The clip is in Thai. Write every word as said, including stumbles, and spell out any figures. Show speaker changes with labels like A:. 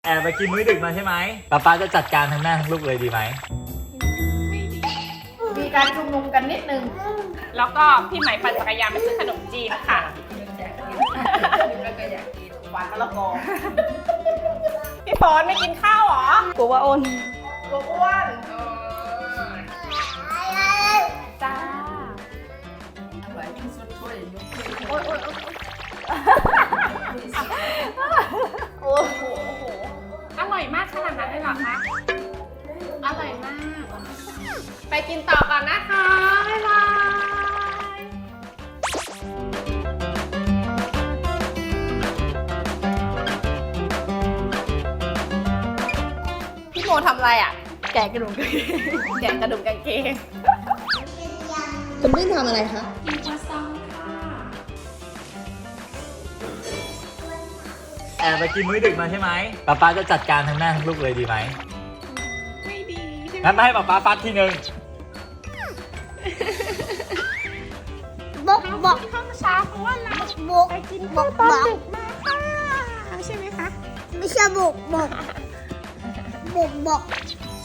A: แอบไปกินมื้อดึกมาใช่ไหมป๊าป๊าจะจัดการทั้งแม่ทั้งลูกเลยดีไหม
B: มีการชุมนุมกันนิดนึง
C: แล้วก็พี่ไหมปั่นจักรยานไปซื้อขนมจีนค่ะ
B: แล้วก็อยากกินหวานมะละกอ
C: พี่ฟอนไม่กินข้าวเหรอก
D: ลัวว่าอ้น
B: ตัวอ้วน
C: จ้า
B: หลายที่สุดช่วยยกขึ้น
C: โอ๊ยโอ๊ยโอ๊ย
B: โอ้โห
C: อร่อยมากขนาดนั้นเลยเหรอคะ อร่อยมาก ไปกินต่อก่อนนะคะ บ๊ายบาย พี่โมทำอะไรอ่ะ
D: แกะกระดูกกางเกง
C: แกะกระดุมกางเกง
D: คุณพี่ทำอะไรคะ
C: กินครัวซองค่ะ
A: แอบไปกินมื้อดึกมาใช่ไหมป๊าป๊าจะจัดการทั้งแม่ทั้งลูกเลยดีไหม
C: ไม่ดีใช่ไหม
A: งั้นมาให้ป๊าป๊าฟัดทีนึง
D: บอกบอก
C: ข้าวเช้าเพราะว่าเรา
D: บอก
C: ไปกิน
D: บอ
C: ข้าว
D: ก
C: ตอน
D: บอก
C: ดึกมาค่ะใช่ไหมคะ
D: ไม่ใช่บอกบอกบอกบอก